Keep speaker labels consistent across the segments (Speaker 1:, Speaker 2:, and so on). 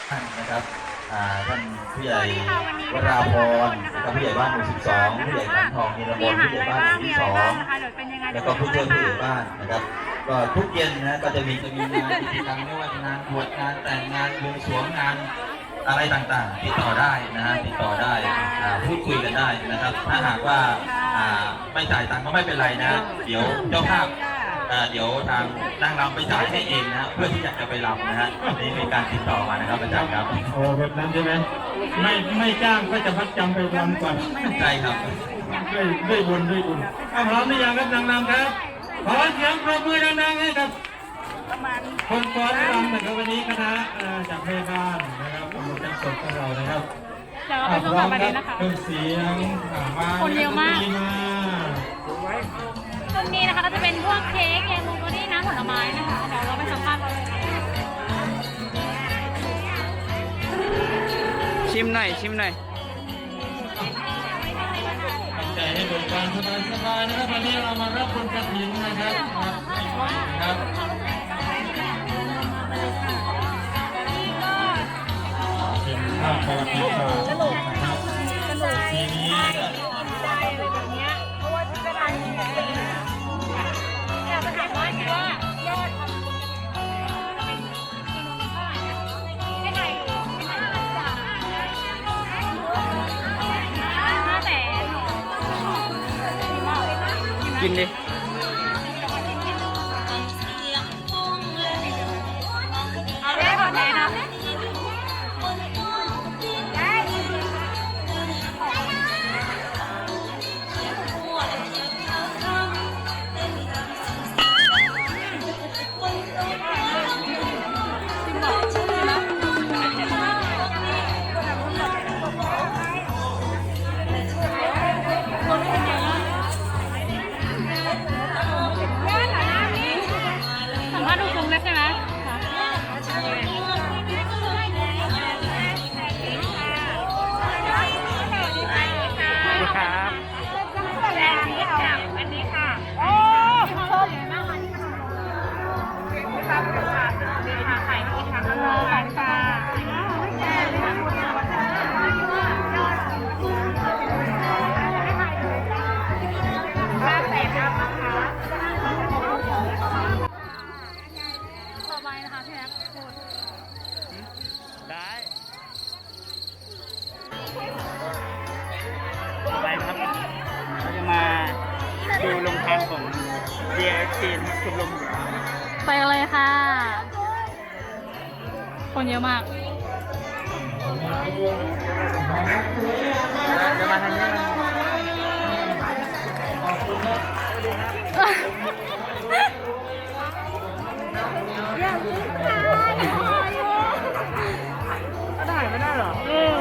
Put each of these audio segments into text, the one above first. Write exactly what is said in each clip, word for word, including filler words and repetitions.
Speaker 1: นะครับท่านผู้ใหญ่วราพรนะครับผู้ใหญ่บ้านหมู่สิบสองผู้ใหญ่ขันทองนิรมนผู้ใหญ่บ้านหมู่ที่สองแล้วก็ผู้ช่วยผู้ใหญ่บ้านนะครับก็ทุกเย็นนะก็จะมีจะมีงานกิจกรรมไม่ว่าจะงานบวชงานแต่งงานบวงสรวงงานอะไรต่างๆติดต่อได้นะฮะติดต่อได้พูดคุยกันได้นะครับถ้าหากว่าไม่จ่ายตังค์ก็ไม่เป็นไรนะเดี๋ยวเจ้าภาพเดี๋ยวทางนางรำไปจ่ายให้เองนะเพื่อที่อยากจะไปรำนะฮะนี่เป็นการติดต่อมานะครับอาจารย์ครับ
Speaker 2: โอ้แบบนั้นใช่ไหมไม่ไม่จ้างก็จะพัดจำไปรำก่อน
Speaker 1: ใช่ครับ
Speaker 2: ด้วยด้วยบุญด้วยบุญพร้อมหรือยังครับนางรำครับขอเสียงปรบมือดังๆให้กับคนฟ้อนรำนะครับวันนี้คณะจากแม่บ้านนะครับโปรโมชั่นสดของเรานะครับ
Speaker 3: เดี๋ยวเราไปชมกันประเด็นนะคะ
Speaker 2: เครื่องเสียงมา
Speaker 3: คนเยอะมากตรงนี้นะคะก็จะเป็นพวกเค้กแยมมูก็นี่น้ำผลไม้นะคะเดี๋ยวเราไปสัมภาษณ์กันเลย
Speaker 4: ชิมหน่อยชิมหน่อย
Speaker 2: ใจให้เบิกบานสบายๆนะครับวันนี้เรามารับบุญกฐินนะครับครับเป็นภาพประวัติศาสตร์นะครับปีนี้
Speaker 4: กินดิ
Speaker 3: เอาได้หมดเลยนะสัมภาษณ์ดูซุ้มเลยใช่ไหม
Speaker 4: ครับ
Speaker 3: อันนี้ค่ะโอ้ชมน่ารักที่มาทำเลยค่ะค่ะไข่ที่ทำเลยค่ะบ้านแต่ครับนะคะต่อไปนะคะพี่แอ๊บพูด
Speaker 4: ได้ต่อไปครับเราจะมาดูลงทางของเดียร์ทีนชมรม
Speaker 3: ไปกันเลยค่ะคนเยอะมาก
Speaker 4: จะมาทางนี้ได้ไม่ได้หรอเออ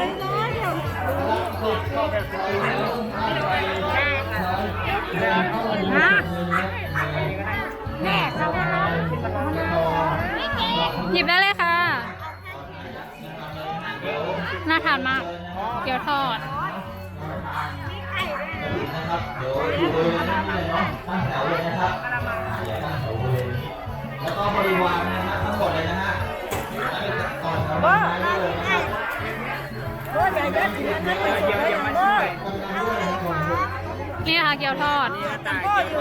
Speaker 3: หยิบได้เลยค่ะน่าทานมากเกี๊ยวทอด
Speaker 1: นะครับเดี๋ยวอยู่บริเวณนี้เลยเนาะตั้งแถวเลยนะครับอย่าตั้งแถวบริเวณนี้แล้วก็บริวารนะฮะทั้งหมดเลยนะฮะก่อนทำงานได้เลยนะครับ
Speaker 3: นี่ค่ะเกี๊ยวทอด
Speaker 5: พ่ออยู่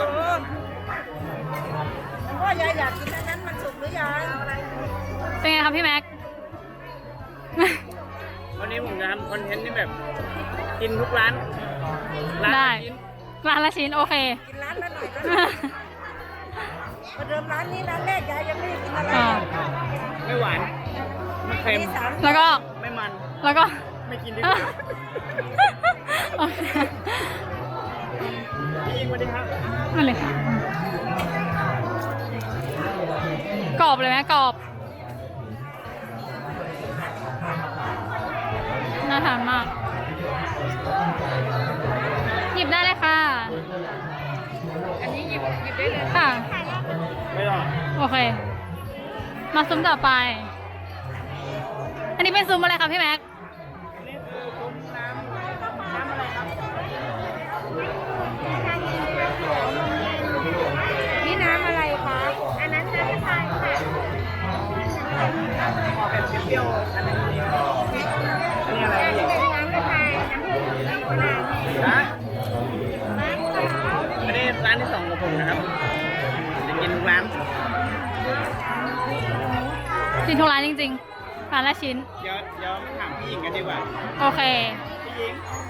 Speaker 5: พ่อยายอยากกินอันนั้นมันสุกหรือยัง
Speaker 3: เป็นไงครับพี่แม็ก
Speaker 4: วันนี้ผมจะทำคอนเทนต์ที่แบบกินทุกร้าน
Speaker 3: ได้ร้านละชิ้นโอเค
Speaker 5: กินร้านละหน่อยก็ได้ประเดิมร้านนี้ร้านแรกยายยังไม่ได้กินอะไร
Speaker 4: ไม่หวานไม่เค็ม
Speaker 3: แล้วก็
Speaker 4: ไม่มัน
Speaker 3: แล้วก็
Speaker 4: ไม่กินดีกว่าพี่อิงสวัสดีครับ
Speaker 3: มาเลยค่ะกรอบเลยไหมกรอบน่าทานมากหยิบได้เลยค่ะ
Speaker 5: อันนี้หยิบหยิบได้เลย
Speaker 3: ค่ะ
Speaker 4: ไม่หรอก
Speaker 3: โอเคมาซุ้มต่อไปอันนี้เป็นซุ้มอะไรคะพี่แม็ก
Speaker 4: นี่คือซุ้มน้ำน้ำอะไรครับ
Speaker 5: นี่น้ำอะไรคะอันนั้นน้ำชาค่ะ
Speaker 4: ออกแบบเปรี้ยวๆอันนี้ที่สองของผมนะครับจะกินทุกร้าน
Speaker 3: กินทุกร้านจริงๆร้านละชิ้น
Speaker 4: เดี๋ยวเดี๋ยวถามพี่หญิงกันดีกว่า
Speaker 3: โอเค
Speaker 4: พี่หญิง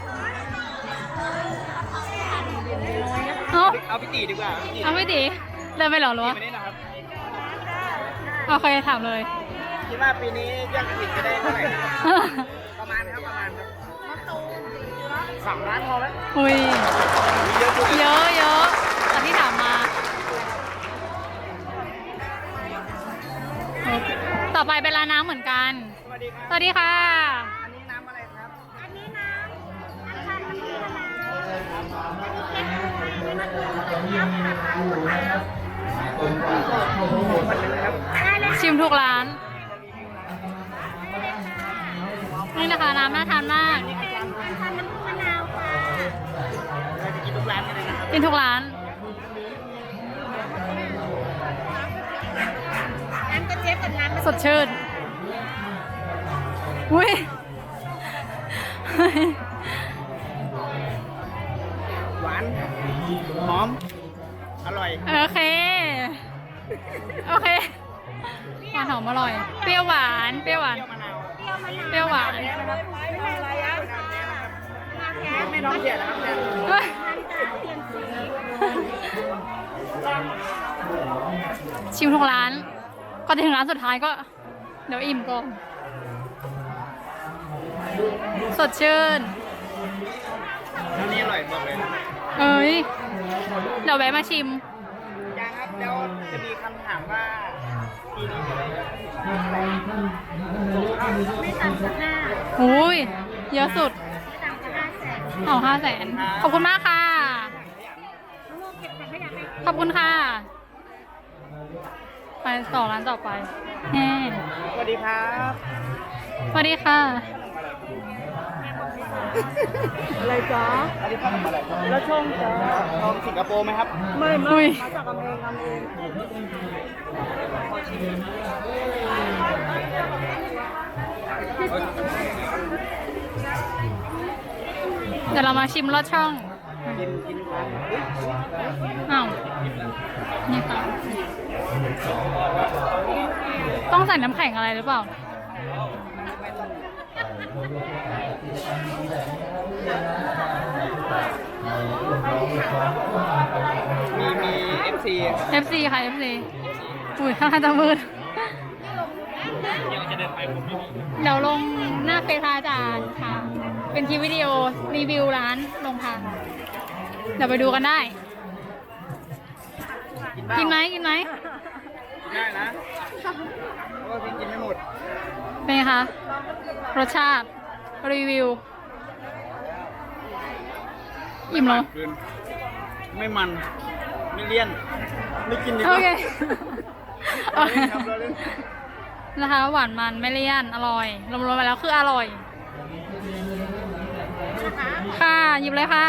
Speaker 3: เอา
Speaker 4: เอาพี่ตีดีกว่าพี่ตี
Speaker 3: เอาไม่ดีเดินไปเหรอหรือวะ
Speaker 4: ปีนี้นะครับ
Speaker 3: โอเคถามเลย
Speaker 4: คิดว่าปีนี้ยอดกระถิ่นจะได้เท่าไหร่ครับประมาณครับประมาณครับสามล้านพอไหม
Speaker 3: อุ้ย
Speaker 4: เยอะด้วย
Speaker 3: เยอะเยอะตอนที่ถามมา ต่อไปเป็นร้านน้ำเหมือนกัน
Speaker 4: สวัสดีครับ
Speaker 3: สวัสดีค่ะ
Speaker 4: อันนี้น้ำอะไรครับ
Speaker 5: อันนี้น้ำอันชันน้ำผึ้งมะนาวอันนี้เค้กมะนาวได้เลย
Speaker 3: ชิมทุกร้าน นี่นะคะน้ำน่าทานมาก
Speaker 5: เป็นอันชันน้ำผึ้งมะนาวค่ะ
Speaker 4: เราจะกินทุกร้านกันเลยนะครับ
Speaker 3: กินทุกร้าน
Speaker 5: น้ำกระเจี๊ยบกับน้ำ
Speaker 3: สดชื่น อุ้ย
Speaker 4: หวานหอมอร่อย
Speaker 3: โอเค โอเคหวานหอมอร่อย เปรี้ยวหวาน เปรี้ยวหวาน
Speaker 4: เปรี้ยวมะนาว
Speaker 3: เปรี้ยวหวาน
Speaker 5: ไม่อะไรอ่ะน้ำแท้
Speaker 4: ไม่น้องเสียนะครับเนี่ย
Speaker 3: เฮ้ยชิมทุกร้าน ก่อนจะถึงร้านสุดท้ายก็ เดี๋ยวอิ่มก่อน สดชื่น
Speaker 4: อันนี้อร่อยบอกเลย
Speaker 3: เอ้ย เดี๋ยวแวะมาชิม
Speaker 4: ยังครับแล้วจะมีคำถามว่าปีนี้จะได้
Speaker 5: ไม่ต่ำกว่าห้า
Speaker 3: อุ้ย เยอะสุด
Speaker 5: ไม่ต่ำกว่าห้าแสน
Speaker 3: เอาห้าแสน ขอบคุณมากค่ะ
Speaker 5: มะม่วงเก็บถังขยะไป
Speaker 3: ขอบคุณค่ะ ไปต่อร้านต่อไปแน่
Speaker 4: สวัสดีครับ
Speaker 3: สวัสดีค่ะ
Speaker 5: อะไรจ๊ะ
Speaker 4: อันนี้ขนมอะไรครับ
Speaker 5: แล้วชงจ๊ะ
Speaker 4: ทองสิงคโปร์ไหมครับ
Speaker 5: ไม่
Speaker 3: อุ้
Speaker 5: ไม่
Speaker 3: ย
Speaker 5: มาจากอเมริกาเอง
Speaker 3: เดี๋ยวเรามาชิมรสช่อง
Speaker 4: กินกินกัน
Speaker 3: อ้าวนี่ค่ะ ต้องใส่น้ำแข็งอะไรหรือเปล่า
Speaker 4: มีมีเอฟซี
Speaker 3: เอฟ ซี ค่ะ เอฟ ซี อุ้ยท่าทางจะมืด
Speaker 4: ยังจะเดินไปผมไม่มี
Speaker 3: เดี๋ยวลงหน้าเฟซอาจารย์ค่ะ เป็นคลิปวิดีโอรีวิวร้านลงทางเดี๋ยวไปดูกันได้ กินไหมกินไหม
Speaker 4: ได้นะเพราะว่าพี่กินไม่หมด
Speaker 3: เป็นไงคะ รสชาติ รีวิว อิ่มเหรอ
Speaker 4: เกินไม่มัน ไม่เลี่ยน ไม่กินดีก
Speaker 3: โอ
Speaker 4: ว่า
Speaker 3: เค
Speaker 4: เราเล่นครับเราเล่น
Speaker 3: นะคะหวานมันไม่เลี่ยน อร่อย รวมๆไปแล้วคืออร่อย ค่ะ หยิบเลยค่ะ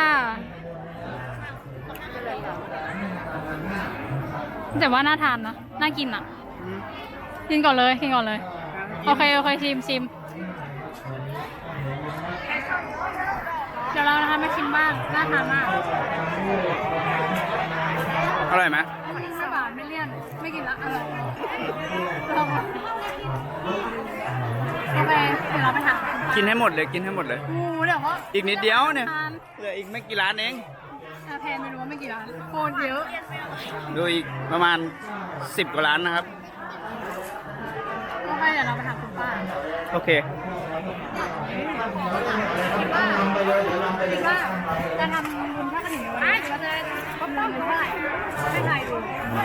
Speaker 3: แต่ว่าน่าทานนะ น่ากินอ่ะ
Speaker 4: อืม
Speaker 3: กินก่อนเลย กินก่อนเลย โอเค โอเค ชิมชิม เดี๋ยวเรานะคะมาชิมบ้าง น่าทานมาก
Speaker 4: อร่อยไหม
Speaker 3: ไม่หวานไม่เลี่ยน ไม่กินละอร่อยลองก่อนโอเค เดี๋ยวเราไปถาม
Speaker 4: กินให้หมดเลย กินให้หมดเลย
Speaker 3: โอ้โหเดี๋ยวเขา
Speaker 4: อีกนิดเดียวเนี่ย
Speaker 3: ทาน
Speaker 4: เหลืออีกไม่กี่ร้านเอง
Speaker 3: อ่ะแพนไม่รู้ว่าไม่กี่ร้านโคตรเยอะ
Speaker 4: ดูอีกประมาณสิบกว่าร้านนะครับ
Speaker 3: โอเค เดี๋ยวเราไปถามคุณป้า
Speaker 4: โอเค
Speaker 3: คิดว่าคิดว่าจะทำบุญทอดกระถิ่นในวันนี้เราจะได้ครบรอบหรือเท่าไหร่ให้ใครดู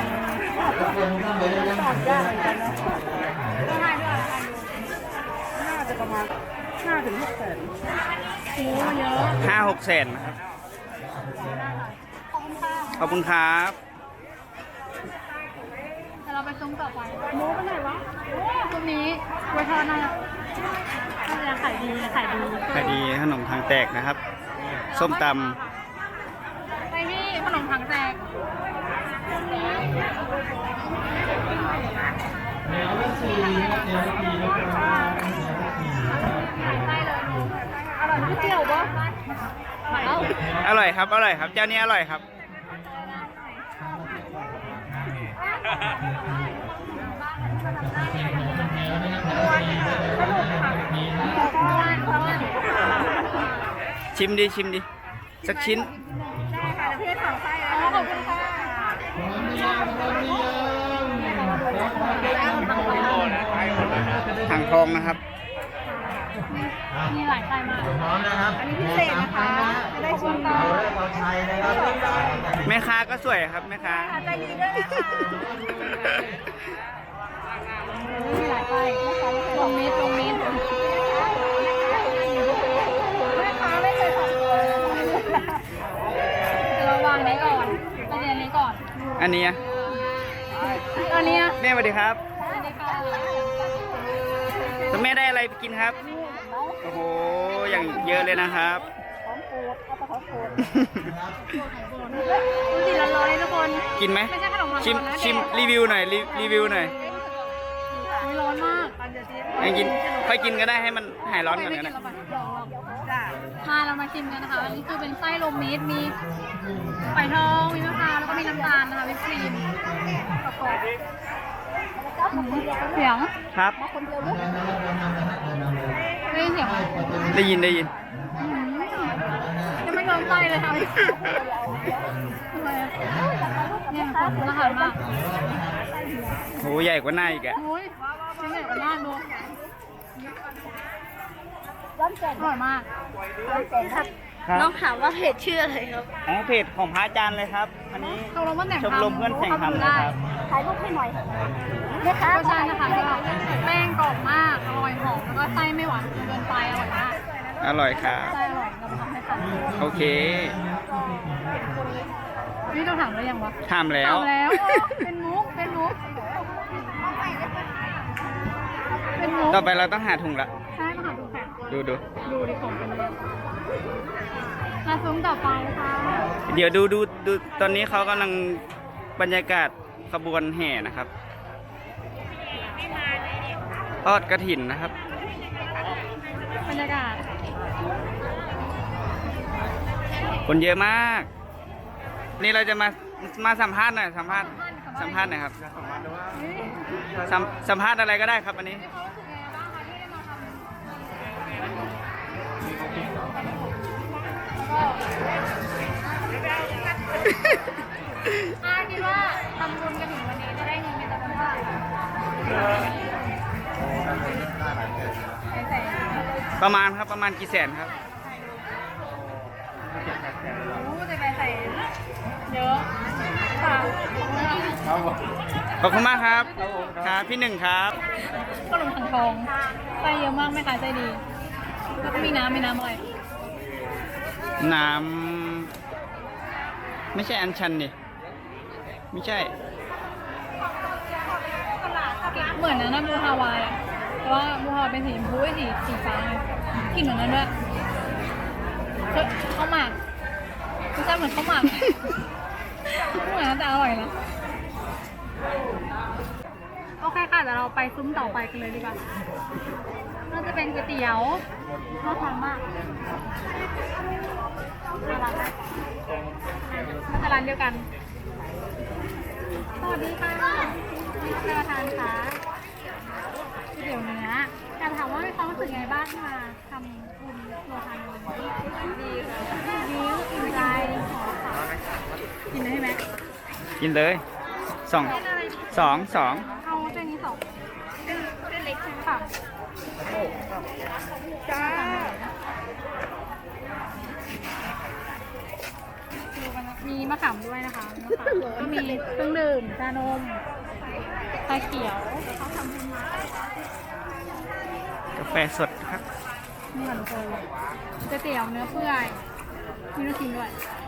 Speaker 3: ตอบยากเหมือนกันเนาะต้องให้ด้วยใครดู
Speaker 5: น่าจะประมาณห้าถึงหกแสน
Speaker 3: โอ้เยอะ
Speaker 4: ห้าหกแสนนะครับ
Speaker 3: ขอบคุณค่ะ
Speaker 4: ขอบคุณครับ
Speaker 3: เดี๋ยวเราไปซุ้มต่อไปหมูไปไหนวะซุ้มนี้ไว้ทอดน่าจะน่าจะขายดีขายดี
Speaker 4: ขายดีขนมทางแตกนะครับ ส้มต
Speaker 3: ไปที่ขนมถังแตกอร่อยก๋วยเตี๋ยวปะเอา
Speaker 4: ำอร่อยครับ อร่อยครับ เจ้านี้อร่อยครับ
Speaker 3: อ
Speaker 6: ชิมดิชิมดิสักชิ้น
Speaker 3: ได้ค่ะเดี๋ยวพี่ให้ถังไส้แล้วขอบคุณค่ะ
Speaker 6: ถังทองนะครับ
Speaker 3: มีหลายไส้มาก
Speaker 1: พร้อมนะครับ
Speaker 3: อันนี้พิเศษนะคะจะได้ชิมกั
Speaker 1: เรา
Speaker 3: น
Speaker 1: ได้เราชัยนะครับ
Speaker 6: แม่ค้าก็สวยครับแม่ค้า
Speaker 3: ใจดีด้วยนะคะมีหลายไส้ลงมิดลงมิดแม่ค้าไม่เคยของเลยเราวางไหนก่อนไปเรียนนี้ก่อน
Speaker 6: อันนี้อะ
Speaker 3: อันนี้
Speaker 6: แม่สวัสดีครับ
Speaker 3: อันนี้ค่ะ
Speaker 6: แล้วแม่ได้อะไรไปกินครับ โอ้โหอย่างเยอะเลยนะครับ
Speaker 3: สีร้อนๆเลยทุกคน
Speaker 6: กินไหม
Speaker 3: ไม่ใช่ขนมร้อนๆ
Speaker 6: ชิม
Speaker 3: นะ
Speaker 6: ชิมรีวิวหน่อยรีรีวิวหน่อย
Speaker 3: ไม่ร้อนมาก
Speaker 6: ให้กินค่อยกินก็ได้ให้มันหายร้อนก่อน
Speaker 3: ไม่
Speaker 6: ก็
Speaker 3: กิน
Speaker 6: ได้
Speaker 3: แล้วป่ะมาเรามาชิมกันนะคะ อันนี้คือเป็นไส้โรมมิตรมีไผ่ทอง มีมะพร้าว แล้วก็มีน้ำตาลนะคะวิปครีมประกอบเสียง
Speaker 6: ครับ
Speaker 3: ได้ยินเสียงไหม
Speaker 6: ได้ยินได้ยิน
Speaker 3: อืมยังไม่โดนไส้เลยค่ะเนี่ยขอบคุณอาหารมาก
Speaker 6: โหใหญ่กว่าหน้าอีกอะ
Speaker 3: โอ้ยชิ้นใหญ่กว่าหน้าดูอร่อยมาก
Speaker 6: ครับ
Speaker 5: น้องถามว่าเพจชื่ออะไรครับ
Speaker 6: อ๋อเพจของพระอาจารย์เลยครับ อันนี้
Speaker 3: ชมรมเพื่อนแต่ง
Speaker 6: ชมรมเพื่อนแต่งทำนะครับ
Speaker 5: ถ่ายรูปให้หน่อย
Speaker 3: รสชาตินะคะก็แป้งกรอบมาก อร่อยหอม แล้วก็ไส้ไม่หวานจนเกินไป อร่อยมาก
Speaker 6: อร่อยครับ
Speaker 3: ไส้อร่อยเรามาทำให้ทัน
Speaker 6: โอเค
Speaker 3: นี่เราถามแล้วยังวะ
Speaker 6: ทำแล้ว
Speaker 3: ถามแล้วโอ้เป็นมุก เป็นมุก เป็นมุก
Speaker 6: ต่อไปเราต้องหาถุงละ
Speaker 3: ใช่มาหาดูแข่ง
Speaker 6: ดูดู
Speaker 3: ดูดิของเป็นเลยมาซุ้มต่อไปค่ะ
Speaker 6: เดี๋ยวดูดูดูตอนนี้เขากำลังบรรยากาศขบวนแห่นะครับทอดกระถินนะครับ
Speaker 3: บรรยากาศ
Speaker 6: คนเยอะมาก นี่เราจะมามาสัมภาษณ์หน่อยสัมภาษณ์สัมภาษณ์หน่อยครับสัมสัมภาษณ์อะไรก็ได้ครับอันนี้
Speaker 3: อาคิดว่าทำบุญกันถึงวันนี้จะได้เงินเป็นจำนวนเท่าไหร่ใส่
Speaker 6: ประมาณครับประมาณกี่แสนครับ
Speaker 3: โอ้จะไปใส่เยอะค่ะ
Speaker 6: ขอบคุณมากครับครับพี่หนึ่งครับ
Speaker 3: ขนมถังทองไส้เยอะมากไม่ขายไส้ดี แล้วก็มีน้ำมีน้ำอะไร
Speaker 6: น้ำไม่ใช่อัญชันนี่ไม่ใช่
Speaker 3: เหมือนนะน้ำบูฮาวายอะแต่ว่าบูฮาวายเป็นสีชมพูไอ้สีสีฟ้าไงกลิ่นเหมือนนั้นด้วยเฮ้ยข้าวหมากไม่ใช่เหมือนข้าวหมากเหมือนนะแต่อร่อยนะโอเคค่ะเดี๋ยวเราไปซุ้มต่อไปกันเลยดีกว่าน่าจะเป็นก๋วยเตี๋ยวน่าทานมากน่ารักนะน่าจะร้านเดียวกันสวัสดีค่ะท่านประธานคะก๋วยเตี๋ยวเนื้ออยากถามว่ามีความรู้สึกไงบ้างที่มาทำบุญโลทานวันนี้ดีค่ะดีอิ่มใจขอค่ะกินได้ไหม
Speaker 6: กินเลยสองสองสอง
Speaker 3: เอาเส้นนี้สองเส้นเส้นเล็กใช่ไหมค่ะจ้าดูกันนะมีมะขามด้วยนะคะมะขามก็มีเครื่องดื่มชานมชาเขียว
Speaker 6: กาแฟสดครับ
Speaker 3: นี่ค่ะทุกคนก๋วยเตี๋ยวเนื้อเปื่อยมีลูกชิ้นด้วย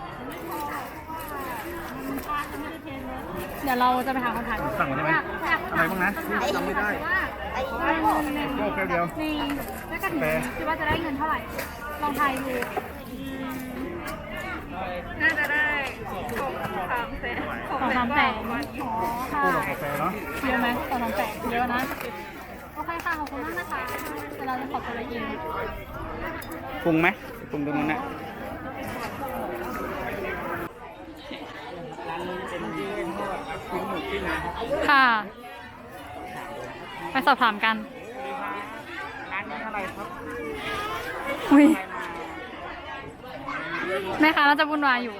Speaker 3: เดี๋ยวเราจะไปหาคนถ่าย
Speaker 6: สั่งได้ไหม
Speaker 3: อยากอยาก
Speaker 6: อะไรบ้างนะจำไม่ได้
Speaker 3: ว่า
Speaker 5: ไอ้
Speaker 3: ใน
Speaker 6: แค่เดียว
Speaker 3: ในแล้วก็ถึงคิดว่าจะได้เงินเท่าไหร่ ลองทายดูน่าจะได้สองสามแสนสองสามแสนอ๋อค่ะ
Speaker 6: กาแฟเนาะ
Speaker 3: เยอะไหมสองสามแสนเยอะนะ โอเคค่ะ ขอบคุณมากนะคะเดี๋ยวเราจะขอตัวละเอียด
Speaker 6: ปรุงไหมปรุงตรงนู้นนะร้านนี้เป็น
Speaker 3: ค่ะ ไปสอบถามกัน
Speaker 4: ร้านนี้เท่าไหร่ครับ
Speaker 3: อุ้ยแม่ค้าน่าจะวุ่นวายอยู่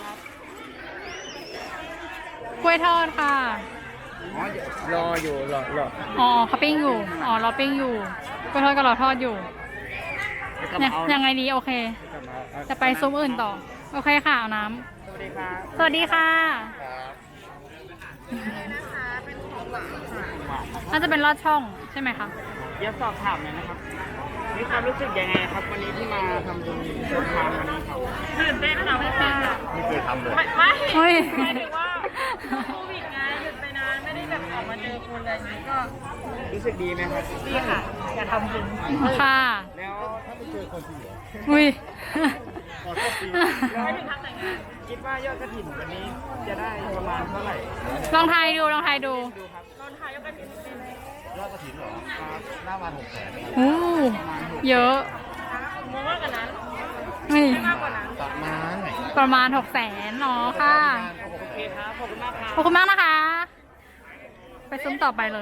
Speaker 3: กล้วยทอดค่ะ
Speaker 4: รออยู่รอรอ
Speaker 3: อ๋อเขาปิ้งอยู่ อ๋อรอปิ้งอยู่กล้วยทอดก็รอทอดอยู่เนี่ยยังไงดีโอเค จะไปซุ้มอื่นต่อ โอเคค่ะ เอาน้ำ
Speaker 4: สวัสดีครับ
Speaker 3: สวัสดีค่ะ น่าจะเป็นลอดช่องใช่ไหมคะ
Speaker 4: เดี๋ยวสอบถามหน่อยนะครับ มีความรู้สึกยังไงครับ วันนี้ที่มาทำบุญโรงทานวันนี้ครับ
Speaker 3: ตื่นเต้นค่ะไม่ค่ะ
Speaker 1: ไม่เคยทำเลย
Speaker 3: ไม่ไม่เฮ้ย
Speaker 5: หมายถึงว่าโควิดไงหยุดไปนานไม่ได้แบบออกมาเจอคนอะไรอย่างนี้ก็
Speaker 4: รู้สึกดีไหมครับ
Speaker 5: ดีค่ะอยากทำบุญ
Speaker 3: ค่ะ
Speaker 4: แล้วถ้าไปเจอคนที่เหลือ
Speaker 3: อุ้ย
Speaker 5: ไม่ถึงทางแต่งงาน
Speaker 4: คิดว่ายอดกระถิ่นวันนี้จะได้ประมาณเท่าไหร่
Speaker 3: ลองทายดูลองทายดู
Speaker 4: ดูครับ
Speaker 5: ตอนถ่ายยกกระถิ่นเป็น
Speaker 1: ยอดกระถิ่นเหรอหน้าวันหกแสน
Speaker 3: อู้เยอะ
Speaker 5: มองมากกว่านั้น
Speaker 3: นี่
Speaker 5: มากกว่านั้น
Speaker 1: ประมาณไหน
Speaker 3: ประมาณหกแสนเนาะค่ะ
Speaker 4: โอเคครับ ขอบคุณมากครับ
Speaker 3: ขอบคุณมากนะคะ ไปซุ้มต่อไปเลย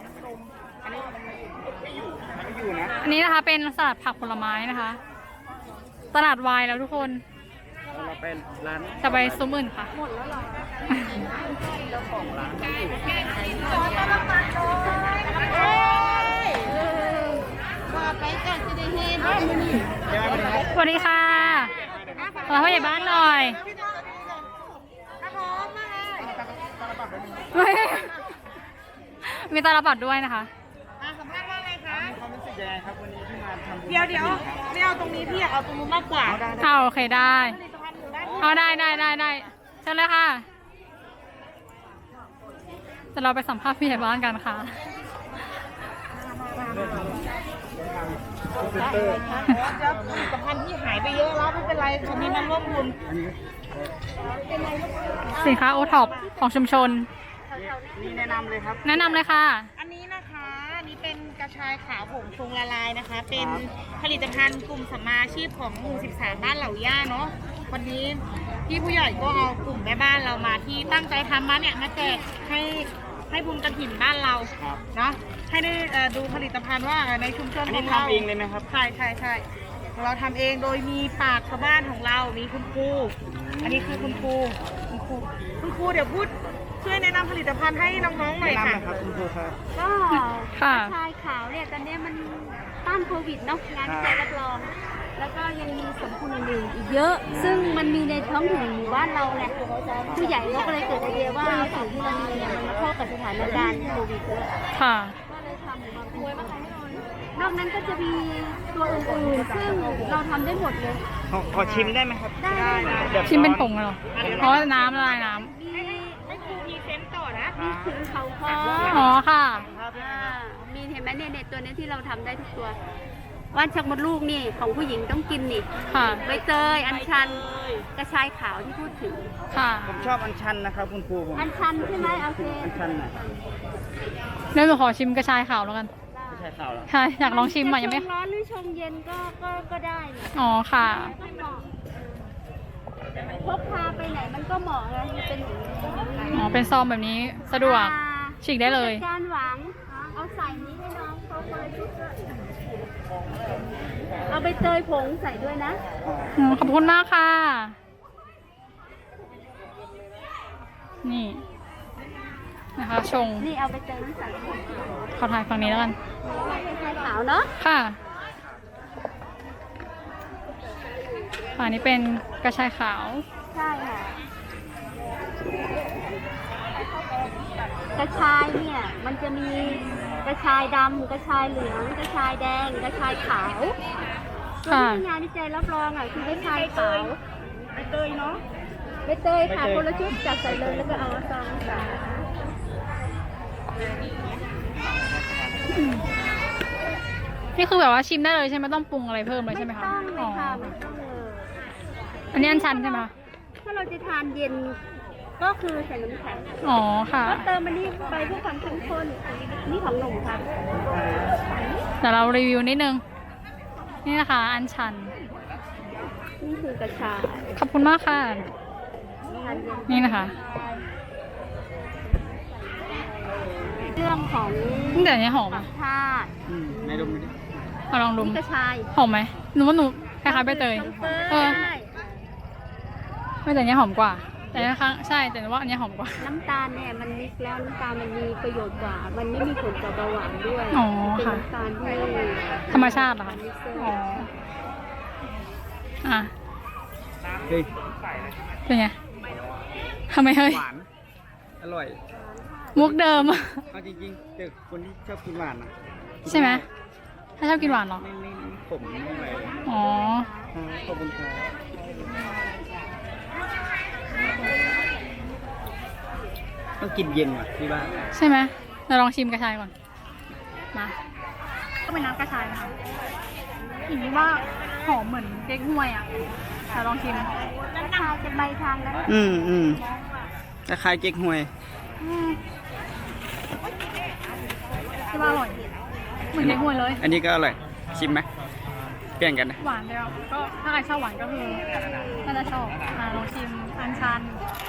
Speaker 4: อยู่นะ
Speaker 3: อันนี้นะคะเป็นสลัดผักผลไม้นะคะ ตลาดวายแล้วทุกคน
Speaker 4: เราเป็นร้าน
Speaker 3: จะไปซุ้มอื่นค่ะ สวัสดีค่ะขอผู้ใหญ่บ้านหน่อยเฮ้ยมีตาลปัดด้วยนะคะ
Speaker 5: สัมภาษณ์ว่าไงคะ
Speaker 4: มีความรู้สึกยังไงครับวันนี้ที่มาทำบุญ
Speaker 5: เดี๋ยวเดี๋ยวไม่เอาตรงนี้พี่อยากเอาตรงนู้นมากกว่า
Speaker 3: เอาโอเคได้ เอาได้ได้ได้ได้เชิญเลยค่ะจะเราไปสัมภาษณ์ผู้ใหญ่บ้านกันค่ะ
Speaker 5: เดี๋ยวผลิตภัณฑ์ที่หายไปเยอะแล้วไม่เป็นไรวันนี้มันร่วมบุญ
Speaker 3: สินค้าโอท็อปของชุมชน
Speaker 4: นี่แนะนำเลยครับ
Speaker 3: แนะนำเลยค่ะ
Speaker 5: อันนี้นะคะอันนี้เป็นกระชายขาวผงชงละลายนะคะ เป็นผลิตภัณฑ์กลุ่มสัมมาอาชีพของหมู่สิบสามบ้านเหล่าย่าเนาะวันนี้พี่ผู้ใหญ่ก็เอากลุ่มแม่บ้านเรามาที่ตั้งใจทำมาเนี่ยมาแจกให้ให้บุญกระถิ่นบ้านเรา
Speaker 4: ครับ
Speaker 5: เนาะให้ได้เอ่อดูผลิตภัณฑ์ว่าในชุมชน
Speaker 4: อัน
Speaker 5: ขอ
Speaker 4: นี้
Speaker 5: งเรา
Speaker 4: ทำเองเลยไหมครับ
Speaker 5: ใช่ใช่ใช่เราทำเองโดยมีปากชาวบ้านของเรา มีคุณครู อันนี้คือคุณครูคุณครูคุณครูเดี๋ยวพูดช่วยแนะนำผลิตภัณฑ์ให้น้องๆหน่อย
Speaker 4: แนะนำ
Speaker 5: ค่ะ
Speaker 4: นะครับคุณครูครับ
Speaker 7: ก็
Speaker 3: ค่ะ
Speaker 7: กระชายขาวเนี่ยตอนนี้มันต้านโควิดเนาะงานวิจัยรับรอง แล้วก็ยังมีสรรพคุณอื่นๆอีกเยอะ ซึ่งมันมีในท้องถิ่นหมู่บ้านเราไงผู้ใหญ่เขาก็เลยเกิดไอเดียว่าสิ่งที่เรามีเนี่ยมันเข้ากับสถานการณ์โควิดด้วย
Speaker 3: ค่ะ
Speaker 7: ก็เลยทำออกมาเป็นนอกนั้นก็จะมีตัวอื่นๆ ซึ่งเราทำได้หมดเลย
Speaker 4: ขอขอชิมได้ไหมครับ
Speaker 7: ได้ได้
Speaker 4: แบบ
Speaker 3: ชิมเป็นผงเลยเหรอเพราะว่าน้ำละลายน้
Speaker 7: มี
Speaker 5: ให้ครูพรีเซนต์ต่อนะ
Speaker 7: มีถึงเขาคอ
Speaker 3: ำอ๋อค่ะ
Speaker 7: อ่ามีเห็นไหมเนี่ยเนี่ยตัวนี้ที่เราทำได้ทุกตัว ว่านชักมดลูกนี่ของผู้หญิงต้องกินนี่
Speaker 3: ค่ะ
Speaker 7: ใบเตยอัญชันกระชายขาวที่พูดถึง
Speaker 3: ค่ะ
Speaker 4: ผมชอบอัญชันนะครับคุณครูผม
Speaker 7: อัญชันใช่ไหมโอเค
Speaker 4: อัญชันน่ะ
Speaker 3: เดี๋ยวหนูขอชิมกระชายขาวแล้วกัน
Speaker 4: ไม่ใช่ข่าวหรอ
Speaker 3: ใช่ อยากลองชิมอ่ะยังไม่
Speaker 7: จะชร้อนหรือชงเย็นก็ก็ก็ได้นี่
Speaker 3: อ๋อค่ะ
Speaker 7: ก็เหมาะพกพาไปไหนมันก็เหมาะไงมันเป็นอย่างนี้
Speaker 3: อ๋อ เป็นซองแบบนี้สะดวก
Speaker 7: อ่า
Speaker 3: ฉีกได้เลย
Speaker 7: ผู้จัการหวังเอาใส่นี้ให้น้องเขาคนละชุดด้วยเอาใบเตยผงใส่ด้วยนะ
Speaker 3: อืมขอบคุณมากค่ะ นี่ นะคะ ชง
Speaker 7: นี่เอาใบเตยนั้นใส่
Speaker 3: ขอถ่ายฝั่งนี้แล้วกัน
Speaker 7: กระชายขาวเนาะ
Speaker 3: ค่ะฝั่งนี้เป็นกระชายขาว
Speaker 7: ใช่ค่ะ กระชายเนี่ยมันจะมีกระชายดำกระชายเหลืองกระชายแดงกระชายขาวตัว
Speaker 3: ค่ะ
Speaker 7: ที่มีงานวิจัยรับรองอ่ะคือกระชายขาว
Speaker 5: ใบเตยเนาะ
Speaker 7: ใบเตยค่ะคนละชุดจัดใส่เลยแล้วก็เอาซองใส่
Speaker 3: นี่คือแบบว่าชิมได้เลยใช่ไหมต้องปรุงอะไรเพิ่มเลยใช่ไหมคะ
Speaker 7: ไม่ต้องเล
Speaker 3: อ๋
Speaker 7: ย
Speaker 3: อ
Speaker 7: ค่ะไม่ต้องเลย
Speaker 3: อันนี้อันชันใช่ไหมคะ
Speaker 7: ถ้าเราจะทานเย็นก็คือใส่น้ำแข็ง
Speaker 3: อ๋อค่ะ
Speaker 7: ก็เติมมันนี่ไปเพื่อความเข้มข้นนี่ของหนุ่มครับ
Speaker 3: เดี๋ยวเรารีวิวนิดนึง นี่นะคะ อันชัน
Speaker 7: นี่คือกระชาย
Speaker 3: ขอบคุณมากค่ะ
Speaker 7: ทานเย็น
Speaker 3: นี่นะคะ
Speaker 7: เรื่องของ
Speaker 3: แต่อันนี้หอม
Speaker 7: ธรร
Speaker 3: อะ
Speaker 7: มชาติ
Speaker 6: อืมไหนดมดูดิ
Speaker 3: เอาลองดม
Speaker 7: นี่กระชาย
Speaker 3: หอมไหมหนูว่าหนูคล้ายๆใบเตยเออ
Speaker 7: ใช่
Speaker 3: ไม่แต่อันนี้หอมกว่า แต่ครั้งใช่แต่ว่าอันนี้หอมกว่า
Speaker 7: น้ำตาลเนี่ยมันมิกซ์แล้วน้ำตาลมันมีประโยชน์กว่า มันไม่มีผลต่อเบาหวานด้วย
Speaker 3: อ๋อ
Speaker 7: เป็น
Speaker 3: ค่ะ
Speaker 7: น้ำตาลที่
Speaker 3: ธรรมชาติเหรอคะ
Speaker 7: มิกเซอร์
Speaker 3: อ๋ออ่ะ
Speaker 6: เฮ้ย
Speaker 3: เป็นไงทำไมเฮ้ย
Speaker 6: หวาน อร่อย
Speaker 3: มุกเดิม
Speaker 6: เอาจริงๆแต่คนที่ชอบกินหวานนะ
Speaker 3: ใช่ไหมถ้าชอบกินหวานเหรอ
Speaker 6: ไม่ไม่ไม่ขมไม่อะไรเลย
Speaker 3: อ๋อ
Speaker 6: ขอบคุณครับต้องกินเย็นว่ะพี่ว่า
Speaker 3: ใช่ไหมเราลองชิมกระชายก่อน มา ก็เป็นน้ำกระชายนะคะกลิ่นที่ว่าหอมเหมือนเก๊กฮวยอ่ะแต่ลองชิม
Speaker 7: กระชายจะใบทางแล้ว
Speaker 6: อืมอืมคล้ายๆเก๊กฮวย
Speaker 3: อืมที่ว่าอร่อย เหมือนเก๊กฮวยเลย
Speaker 6: อันนี้ก็อร่อย ชิมไหมเปลี่ยนกันนะ
Speaker 3: หวานเดียวก็ถ้าใครชอบหวานก็คือน่าจะชอบอ่าลองชิมอันชัน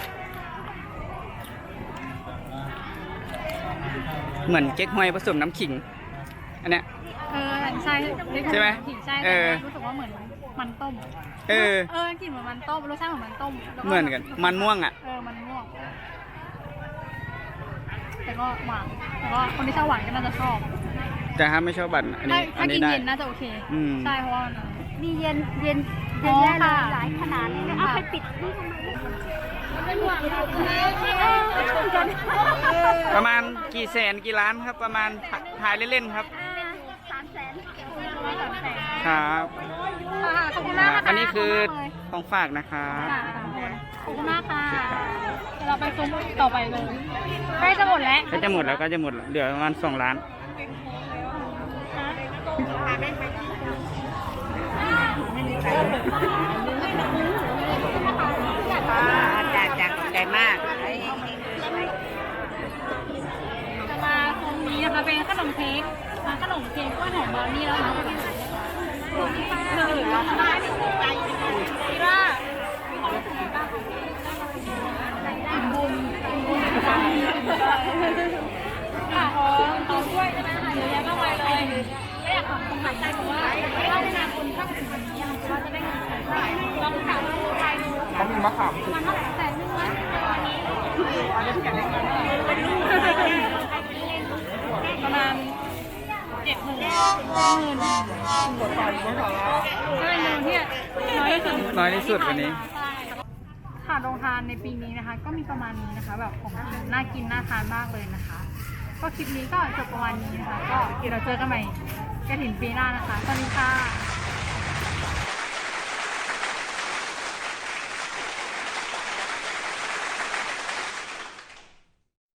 Speaker 6: เหมือนเก๊กฮวยผสมน้ำขิง อันเนี้ย
Speaker 3: เออใช่เก๊กฮวย
Speaker 6: ใช่ไหม
Speaker 3: ผิดใช่
Speaker 6: เออ
Speaker 3: รู้สึกว่าเหมือนมันต้ม
Speaker 6: เออ
Speaker 3: เออกลิ่นเหมือนมันต้มรสชาติเหมือนมันต้มแล้ว
Speaker 6: เหมือนกัน มันม่วงอ่ะ
Speaker 3: เออมันม่วงแต่ก็หวานแต่ก็คนที่ชอบหวานก็น่าจะชอบ
Speaker 6: แต่ถ้าไม่ชอบบัตรอัน
Speaker 3: ถ้า
Speaker 6: นี้อั
Speaker 3: ถ้าน กิ
Speaker 6: นี้
Speaker 3: น
Speaker 6: ได้
Speaker 3: เย็นน่าจะโอเค
Speaker 6: อืม
Speaker 3: ใช่เพราะว่ามัน
Speaker 7: มีเย็นเย็น
Speaker 3: อ๋
Speaker 7: เย็น
Speaker 3: อ
Speaker 7: แน่เลย
Speaker 3: ค่ะ
Speaker 7: หลายขนาดเลยนะเอาไปปิดนี่ทำไม
Speaker 6: ประมาณกี่แสนกี่ล้านครับ ประมาณถ่ายเล่นๆครับ
Speaker 7: สามแสน
Speaker 6: ครับ
Speaker 3: ค่ะขอบคุณมากนะคะ
Speaker 6: อันนี้คือ
Speaker 3: ขบณมากเลย
Speaker 6: ของฝากนะครับ
Speaker 3: ค่ะขอบคุณมากค่ะเดี๋ยวเราไปซุ้มต่อไปเลยใกล้จะหมดแล้ว
Speaker 6: ก็จะหมดแล้วก็จะหมดแล้วเหลือประมาณสองล้าน
Speaker 5: จ้าจ้าขอบใจมาก
Speaker 3: จะมาตรงนี้นะคะเป็นขนมเค้กร้านขนมเค้กกล้วยหอมบราวนี่แล้วนะเออคิดว่าบุญบุญค่ะอ๋อกินกล้วยใช่ไหมคะเยอะแยะมากมายเลยไม่อยากขอบคุณหลายใจเพราะว่าถ้าในนาคนชอบถึงแบบนี้ว่าจะได้เงินเท่าไหร่ลองถามใครดู
Speaker 2: เขามีมะขาม
Speaker 3: มันเท่าไหร่แสนนึงนะประมาณเจ็ดหมื่นหมื่นหัวต่อยหัวต่อยก็เป็นเงินที่น้อยที่สุด
Speaker 6: น้อยที่สุดวันนี้
Speaker 3: ค่ะโรงทานในปีนี้นะคะ ก็มีประมาณนี้นะคะ แบบของกินน่ากินน่าทานมากเลยนะคะ ก็คลิปนี้ก็จบประมาณนี้นะคะ ก็เดี๋ยวเราเจอกันใหม่กระถิ่นปีหน้านะคะสวัสดีค่ะ